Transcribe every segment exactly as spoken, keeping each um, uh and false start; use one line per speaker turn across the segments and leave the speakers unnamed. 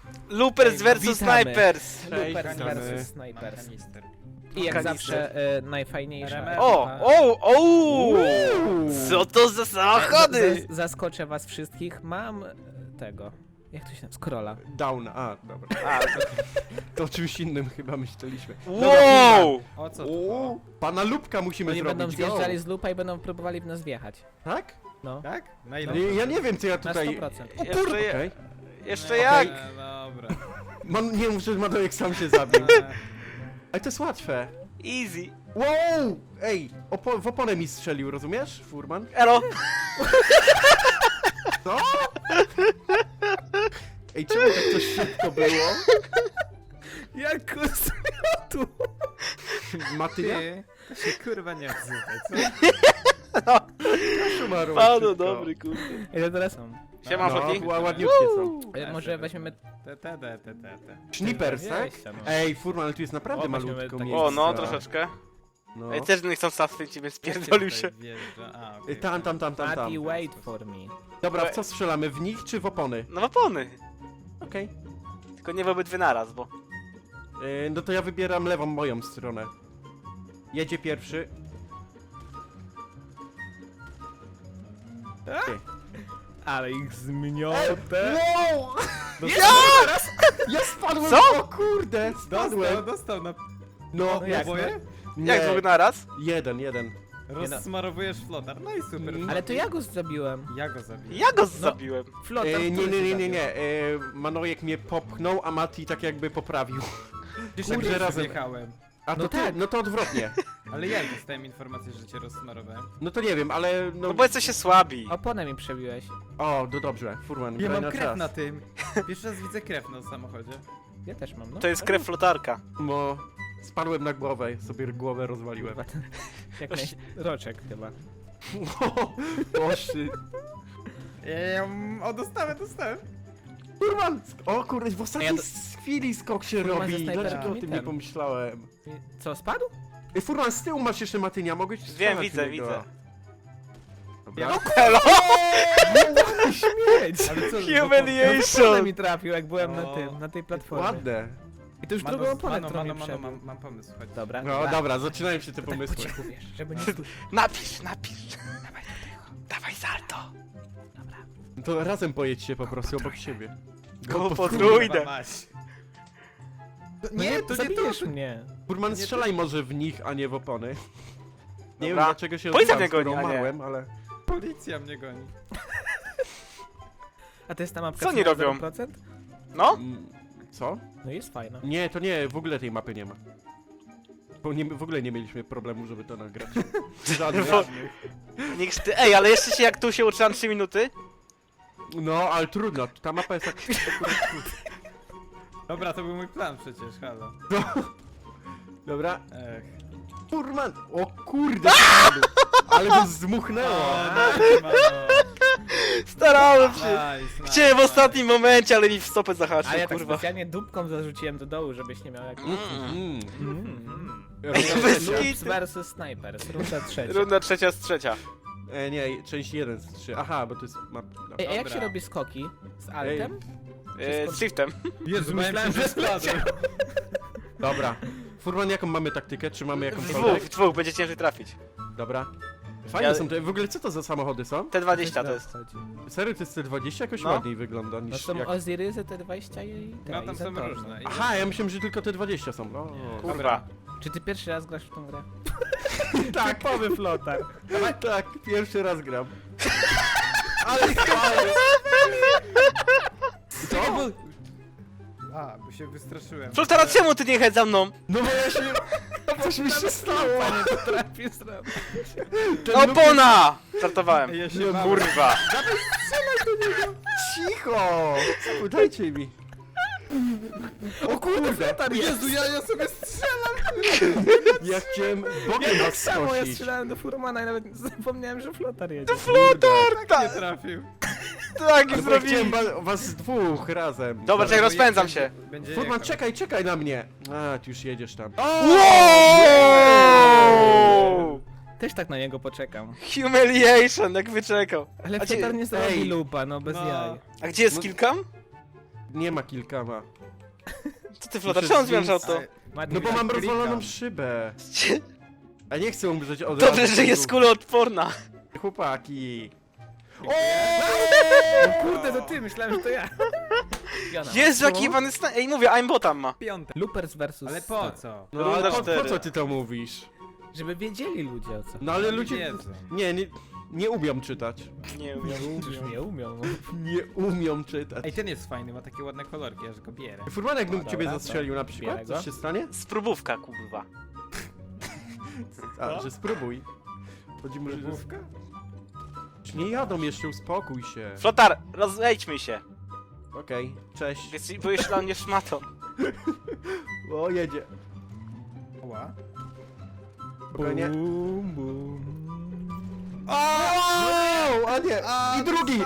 Loopers versus
Witamy.
Snipers.
Loopers
witamy.
versus Snipers.
Kanister.
I jak
Kanister.
zawsze e, najfajniejsza
R M F.
O,
ekipa.
o, o! Co to za samochody?
Z- Zaskoczę was wszystkich. Mam e, tego. Jak to się nazywa? Scrolla.
Down, a, dobra.
A,
To o czymś innym chyba myśleliśmy.
wow!
O co to?
O, pana Lubka musimy
Oni będą
zrobić, go.
zjeżdżali z lupa i będą próbowali w nas wjechać.
Tak?
No.
Tak? Na ile?
Nie, ja nie wiem, co ja
Na
tutaj...
sto procent.
O
Jeszcze
kurde,
je-
okej.
Jeszcze
Nie,
jak?
Dobra.
Man, nie mów, że Madojek sam się zabił.
E,
Ale to jest łatwe.
Easy.
Wow! Ej, opo w oponę mi strzelił, rozumiesz, Furman?
Elo.
Co? Ej, czemu tak coś szybko było?
Jak tu?
Matyja?
Ty, to się kurwa nie odzywaj, co?
Szumaru,
Pano
szybko.
dobry, kurde.
Ile teraz są?
Siema,
No,
Foki.
ła- ładniutkie są.
E, Może weźmiemy...
Te, te, te, te, te, te.
Snippers, tak?
dwadzieścia, no.
Ej, Furman, ale tu jest naprawdę
O, weźmiemy
malutko
takie-
miejsca.
O, no, troszeczkę.
No.
Ej, też nie chcą sasnąć, więc spierdolił się.
Wjeżdża. A,
Ej,
okej.
Tam, tam, tam, tam, tam.
Mati, wait for me.
Dobra, w co strzelamy? W nich czy w opony?
No w opony.
Okej.
Tylko nie w obydwie naraz, bo...
Yy, no to ja wybieram lewą moją stronę. Jedzie pierwszy. Ty.
Ale ich zmiotę.
Wow!
Ja!
Ja spadłem!
Co?
O kurde,
Dostał,
spadłem!
dostał na
No,
No jak,
oboje?
nie.
Jak dwóch naraz?
Jeden, jeden.
Rozsmarowujesz flotar. No i super.
Mm.
Ale to ja go zabiłem.
Ja go zabiję.
Ja go zabiłem.
Flotar,
E, nie,
który
nie,
się
nie, nie,
zabił.
nie. E, Manojek mnie popchnął, a Mati tak jakby poprawił.
Kurde,
Kurde,
razem
razem.
jechałem.
A to
No
ty,
tak.
no to odwrotnie.
Ale jak dostałem informację, że cię rozsmarowałem?
No to nie wiem, ale no...
No bo jesteście słabi.
Oponę mi przebiłeś.
O, no dobrze, Furman,
Ja
graj
mam
na
krew
czas.
na tym. Pierwszy raz widzę krew na samochodzie.
Ja też mam, no.
To jest krew flotarka.
Bo spadłem na głowę, sobie głowę rozwaliłem.
Chyba ten- Jak naj... Roczek chyba.
Boszy.
Ehm, o, dostałem, dostałem.
Furman! O kurde, w ostatniej
A ja
chwili skok się
Furman ze
robi.
snajperem
Dlaczego o
mi
tym
ten.
nie pomyślałem?
I Co, spadł?
Ej, Furman, z tyłu masz jeszcze Matynia, mogłeś
Wiem,
strzelać
widzę,
w niego.
widzę.
Dobra.
Ja-
Hello!
Śmieć!
Ale co?
Humiliation!
Oponę mi trafił, jak byłem na
O.
tym, na tej platformie.
Ładne.
I to już
Mano,
drugą oponę,
mano,
którą
mano,
mi
mano,
przebił.
mam, mam pomysł, chodź.
Dobra.
No dobra, zaczynają się te
To tak po
pomysły.
cichu, wiesz, żeby nie słyszeć.
Napisz, napisz. Dawaj do tego. Dawaj salto.
To razem pojedźcie po prostu obok siebie.
Go
Kurwa
podrójne.
mać.
Nie,
Nie,
to
to nie
zabijesz
to.
mnie.
Furman,
Nie,
strzelaj może w nich, a nie w opony. Nie wiem
Dobra.
dlaczego się
Policja
odbyłam,
mnie goni,
skoro
a nie.
umarłem, ale...
Policja mnie goni.
A to jest ta mapka
Co oni
ma
robią?
zero procent?
No?
Mm, Co?
No jest fajna.
Nie, to nie, w ogóle tej mapy nie ma. Bo nie, w ogóle nie mieliśmy problemu, żeby to nagrać. Żadnych.
Bo- Niech ty... Ej, ale jeszcze się jak tu się uczyłam trzy minuty?
No, ale trudno, ta mapa jest tak...
Dobra, to był mój plan przecież, halo.
Dobra,
Ech.
Furman! O kurde, spadł. Ale go zdmuchnęło!
O, no,
Starałem się.
nice, nice,
Chciałem w
nice.
ostatnim momencie, ale mi w stopę
A
zahaczył,
ja tak
kurwa.
specjalnie dupką zarzuciłem do dołu, żebyś nie miał jak...
Mm.
Mm.
Bez
Loops
kitu.
versus Snipers, runda trzecia.
Runda trzecia z trzecia.
E, nie, część jeden z trzy. Aha, bo to jest map...
Ej, a jak
Dobra.
się robi skoki? Z altem?
E, z shiftem.
Jezu,
Myślałem, że
spadłem.
Dobra. Furman, jaką mamy taktykę? Czy mamy
W
jakąś
dwóch, w dwóch, będzie ciężej trafić.
Dobra. Fajne
Ja-
są te... W ogóle co to za samochody są?
T dwadzieścia to jest.
Serio, to jest C dwadzieścia? Jakoś
No.
ładniej wygląda
No
niż
są
jak...
Ozyrysy, T dwadzieścia i te,
No
i
tam są
Saturny.
różne.
Aha, ja myślałem, że tylko te dwadzieścia są. O,
Kurwa.
Czy ty pierwszy raz grasz w tą grę?
tak,
Typowy flotar.
tak, pierwszy raz gram.
Ale
Co?
A, bo się wystraszyłem.
Co teraz czemu ty nie jechać za mną?
No bo ja się... Coś mi się stało!
Nie potrafię zrobić.
Ten
Opona! Żartowałem.
Ja się
No,
bałem.
Kurwa.
Cicho! Dajcie mi. O kurde!
Jezu, ja, ja sobie strzelam!
Ja chciałem bokiem
Ja tak
was
samo, ja
skosić.
strzelałem do Furmana i nawet zapomniałem, że flotar jedzie.
Flotar!
Nie
Tak,
trafił.
tak
Ale
zrobili.
chciałem ba- was dwóch razem.
Dobra, czekaj, rozpędzam się.
Będzie
Furman,
jechał.
czekaj, czekaj na mnie! A, ty już jedziesz tam.
Wow!
Też tak na niego poczekam.
Humiliation, jak wyczekał.
Ale
A gdzie-
flotar nie zrobi
Ej.
lupa, no bez
No.
jaj.
A gdzie jest killcam?
Nie ma kilka, ma.
Co ty, Flotar,
Muszę
czemu zmieniasz
zwiększyć-
auto?
Mati,
No bo
tak
mam
klikam.
rozwaloną szybę. A nie chcę umrzeć od
Dobrze,
razu.
że jest kuloodporna.
Chłopaki.
O kurde, to ty, myślałem, że to ja. Jana.
Jezu, jaki jebany stan... Ej, mówię, aimbotam ma.
Piąte.
Loopers versus...
Ale po co?
No
Runda
ale po, po
cztery.
co ty to mówisz?
Żeby wiedzieli ludzie o co.
No ale
Oni
ludzie...
wiedzą.
Nie, nie, nie umią czytać.
Nie
Nie
umiem.
umią, nie umią.
Nie umią czytać.
Ej, ten jest fajny, ma takie ładne kolorki, aż go bierę.
Furman, jakbym
No
ciebie
dobra,
zastrzelił na
Bierę
przykład,
go.
coś się stanie?
Spróbówka, kurwa.
A, że spróbuj. Chodzi może, że...
Próbówka?
Nie jadą jeszcze, uspokój się.
Flotar, rozejdźmy się.
Okej, cześć.
Jesteś- Byłeś dla mnie szmatą.
O, jedzie.
Ła.
Spokojnie.
Bum, bum.
O, a nie! I drugi!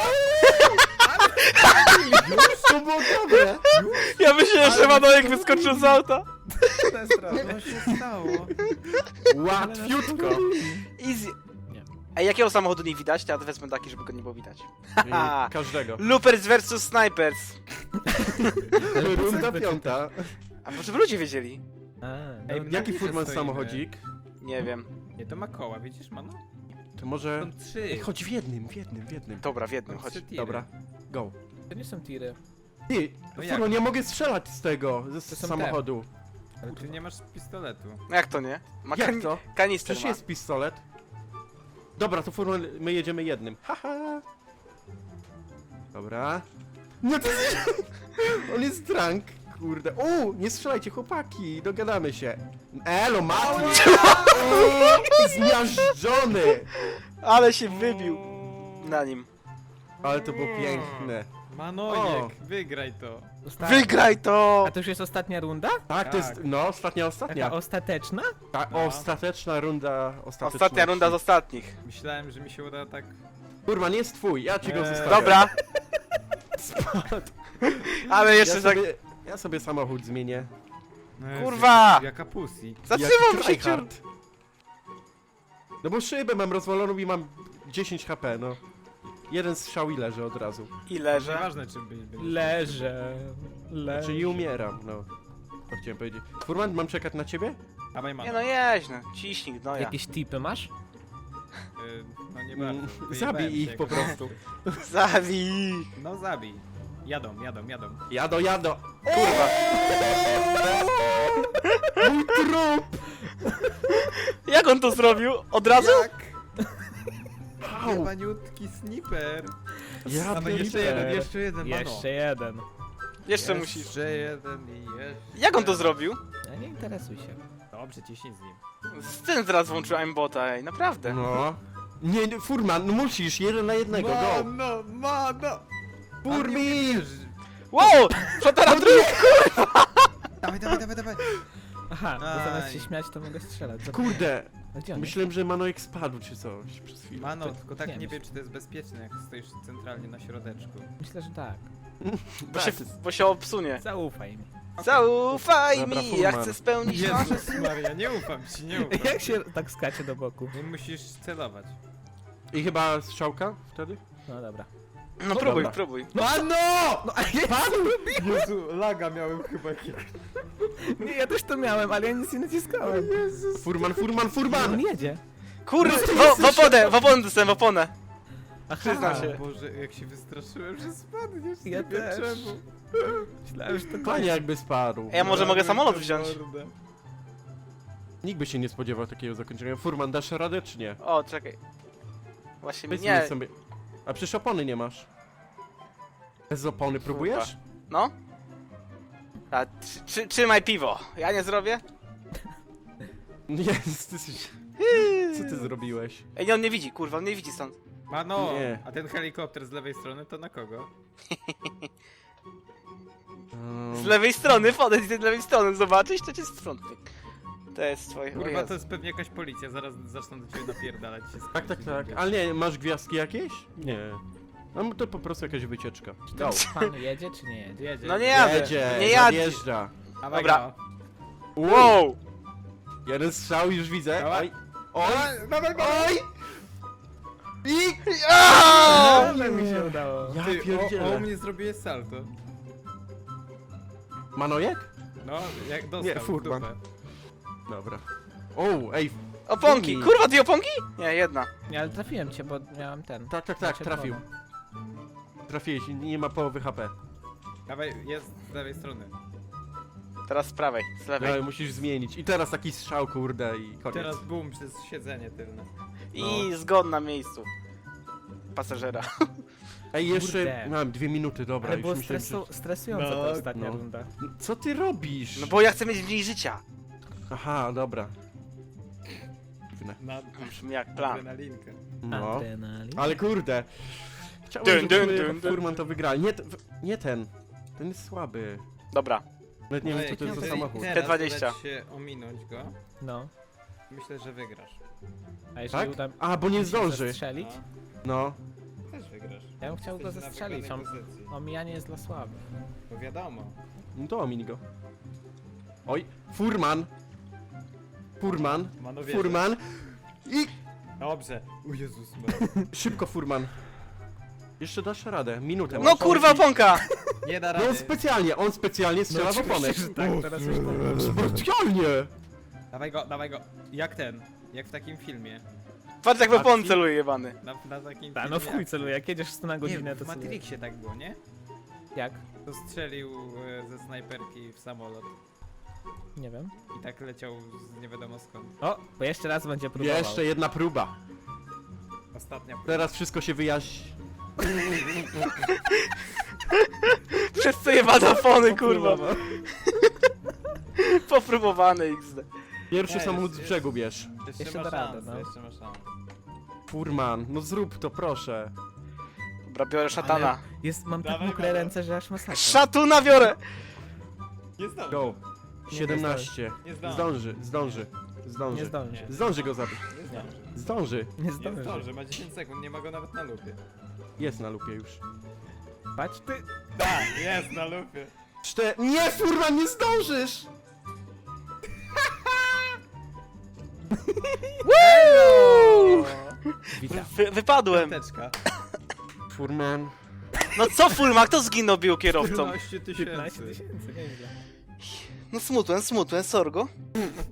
Już to było dobre!
Ja myślałem, że Manojek wyskoczył z auta.
Co się stało?
Łatwiutko!
Easy.
Nie.
Ej, jakiego samochodu nie widać? To ja wezmę taki, żeby go nie było widać. Haha.
I każdego.
Loopers versus Snipers.
Runda piąta.
A może by ludzie wiedzieli?
A,
Ej,
no,
Jaki
gdzie
furman
stoimy?
samochodzik?
Nie wiem.
Nie, to ma koła, widzisz, mano?
To może...
Są trzy.
Ej, chodź w jednym, w jednym, w jednym.
Dobra, w jednym,
Są
chodź.
trzy tiry.
Dobra, go.
to nie są tiry.
Ty,
No jak?
furman, nie mogę strzelać z tego, ze
To są
samochodu.
Ale
Ty nie masz pistoletu.
No jak to nie? Ma
Jak
kan
to?
kanister
Przecież
ma.
jest pistolet. Dobra, to furman, my jedziemy jednym. Haha. Dobra. No to jest... On jest drunk, kurde. U, nie strzelajcie, chłopaki, dogadamy się. Elo, Mati! O, zmiażdżony!
Ale się wybił na nim.
Ale to było piękne.
Manojek, wygraj to.
Osta-
Wygraj to!
A to już jest ostatnia runda?
Tak, to jest,
Tak.
no, ostatnia, ostatnia.
Taka ostateczna?
Ta
No.
ostateczna runda, ostateczna.
Ostatnia runda z ostatnich.
Myślałem, że mi się uda tak...
Kurwa, nie jest twój, ja ci go
Eee.
zostawię.
Dobra.
Spadł.
Ale
Ja
jeszcze tak...
sobie, ja sobie samochód zmienię.
No jest
Kurwa!
Jak, jaka pussy.
Zatrzymam
Jak
się, ciur...
tryhard. No bo szybę mam rozwaloną i mam dziesięć H P, no. Jeden strzał i leży od razu.
I leżę.
Nieważne, czy by... by-
Leżę. Leżę.
Czyli umieram, no. To chciałem powiedzieć. Furman, mam czekać na ciebie?
Dawaj,
Nie
mano.
no, jeźdź no. Ciśnij, no ja.
Jakieś tipy masz?
Y, No nie
Mm,
bardzo. Wyjebałem
zabij
się
ich
jak
po
to-
prostu.
Zabij.
No zabij. Jadą, jadą, jadą.
Jado, jado.
Kurwa.
Mój trup!
Jak on to zrobił? Od razu?
Au!
Jebaniutki sniper.
Ja
Dawaj, jeszcze
pierdolę.
jeden, jeszcze jeden, mano.
Jeszcze jeden.
Jeszcze musisz.
Jeszcze jeden i jeszcze...
Jak on to zrobił?
Ja nie interesuj się.
Dobrze, ciśnij z nim.
Z tym zaraz włączył aimbota, ej, naprawdę.
No. Nie, nie, Furman, no musisz, jeden na jednego, go!
Mano, mano!
Furmin!
Wow! Flotara drugi!
Dawaj, dawaj, dawaj, dawaj.
Aha, bo
Aj.
zamiast się śmiać, to mogę strzelać. Co-
Kurde,
A gdzie on jest?
myślałem, że Manojek spadł czy coś przez chwilę.
Mano, tylko tak
nie
nie,
myśl.
wiem, czy to jest bezpieczne, jak stoisz centralnie na środeczku.
Myślę, że tak.
Bo się, bo się obsunie.
Zaufaj mi.
Zaufaj
Dobra,
mi, ja
Furman.
chcę spełnić marzę.
Jezus Maria, nie ufam ci, nie ufam.
Jak się tak skacze do boku?
Nie musisz celować.
I chyba strzałka wtedy?
No dobra.
No próbuj,
dobra.
próbuj.
Mano! No, a ja,
Jezu, laga miałem chyba jakiegoś.
nie, ja też to miałem, ale ja nic nie naciskałem.
Furman, Furman,
On
Furman!
jedzie.
Kurde, w, w oponę, w oponę dostałem, w oponę.
Aha,
Przyznam się.
Boże, jak się wystraszyłem, że spadniesz,
Ja
nie wiem
też.
czemu.
myślałem, że to
Panie
koniec.
jakby spadł.
Ej, ja może mogę samolot wziąć?
Nikt by się nie spodziewał takiego zakończenia. Furman, dasz radę czy nie?
O, czekaj. Właśnie
Powiedz
nie.
mi sobie. A przecież opony nie masz. Bez opony próbujesz?
No? A, trzy, trzy, trzymaj piwo. Ja nie zrobię?
Nie, ty, jesteś- co ty zrobiłeś?
Ej, nie, on nie widzi, kurwa, on nie widzi stąd.
Mano,
Nie.
a ten helikopter z lewej strony to na kogo?
Um,
Z lewej strony, podejdź z lewej strony, zobaczysz, to cię strątnie. To jest twoje... o
Kurwa,
Jezu.
to jest pewnie jakaś policja, zaraz zaczną do ciebie napierdalać się.
tak, tak, tak. Ale nie, masz gwiazdki jakieś? Nie. No to po prostu jakaś wycieczka. Go.
Pan jedzie czy nie jedzie?
Jedzie.
No nie jadę,
Jedzie,
nie jadę.
jeżdża.
Dawaj
Dobra.
go.
Wow!
Jeden strzał już widzę.
Dawaj.
Oj, oj,
Dawaj go!
oj! I...
Aaaa!
Ale mi się udało.
Ja
Ty, o, o
pierdzielę.
mnie zrobiłeś salto.
Manojek?
No, jak dostał
Nie,
w
furman.
dupę.
Dobra. O, ej,
Oponki!
Fumi.
Kurwa, dwie oponki? Nie, jedna.
Nie, ale trafiłem cię, bo miałem ten.
tak, tak, tak,
czerwoną.
trafił. Trafiłeś, nie ma połowy H P.
Dawaj, jest z lewej strony.
Teraz z prawej, z lewej.
Ale musisz zmienić. I teraz taki strzał, kurde, i koniec.
Teraz boom przez siedzenie tylne.
I zgon na miejscu. Pasażera.
Ej, jeszcze
Kurde.
mam dwie minuty, dobra,
Ale
już
było
myślałem,
stresu, stresująca
No,
ta ostatnia
no.
runda.
że... Co ty robisz?
No bo ja chcę mieć mniej życia.
Aha, dobra. Dziwne.
Na
Brzmi jak plan.
adrenalinkę.
No.
Adrenalin.
Ale kurde. Chciałem,
Dun,
żeby
dun, dun, dun.
Furman to wygrali. Nie, t- w- nie ten. Ten jest słaby.
Dobra.
Nawet nie
Ale
wiem, co to jest za
jeżeli
samochód.
teraz
T dwadzieścia.
uda ci się ominąć go,
No.
myślę, że wygrasz.
A jeżeli
Tak?
uda
A, bo nie
mi się
zdąży.
zastrzelić?
No,
No.
też wygrasz.
Ja bym chciał go
Jesteś na
zastrzelić,
wygranej
on-
pozycji.
Omijanie jest dla słabych.
No wiadomo.
No to omin go. Oj, Furman. Furman.
Manowie.
Furman. I
Dobrze. O Jezus.
szybko, Furman. Jeszcze dasz radę. Minutę.
No
masz.
kurwa, oponka!
Nie da
No
rady.
on specjalnie, on specjalnie strzela w oponę.
tak, teraz już
Specjalnie!
Dawaj go, dawaj go. Jak ten. Jak w takim filmie.
Patrz jak w opon celuje jebany.
Na, na takim
Tak,
filmie.
no w chuj celuję, jak jedziesz sto na
Nie,
godzinę,
w
to celujesz.
Matrixie tak było, nie?
Jak?
To strzelił e, ze snajperki w samolot.
Nie wiem.
I tak leciał z nie wiadomo skąd.
O, bo jeszcze raz będzie próbował.
Jeszcze jedna próba.
Ostatnia próba.
Teraz wszystko się wyjaśni.
Przez co jebane opony, kurwa.
Próbował.
Popróbowane X D.
Pierwszy
Nie,
samochód
jest-
z brzegu bierz.
Jeszcze,
Jeszcze
ma
da radę,
szansę,
no.
jeszcze ma szansę.
Furman, no zrób to, proszę.
Dobra, biorę szatana.
Ale jest, mam tak
Dawaj,
mokre
dawaj.
ręce, że aż masakra.
Szatuna biorę!
Nie zdąży.
Go.
Nie
siedemnaście.
Nie zdąży.
Zdąży, zdąży.
Nie
Zdąży.
zdąży.
Zdąży go zabić.
Nie zdąży.
Zdąży.
Nie
Nie
zdąży.
zdąży, ma dziesięć sekund, nie ma go nawet na lupie.
Jest na lupie już.
Patrz ty.
Tak, jest na lupie.
Czte... Nie, Furman, nie zdążysz!
Witam.
Wy wypadłem.
Piąteczka.
Furman.
No co Fulma, kto zginął bił kierowcą?
piętnaście
piętnaście
tysięcy.
tysięcy, nieźle.
No smutłem, smutłem, sorgo.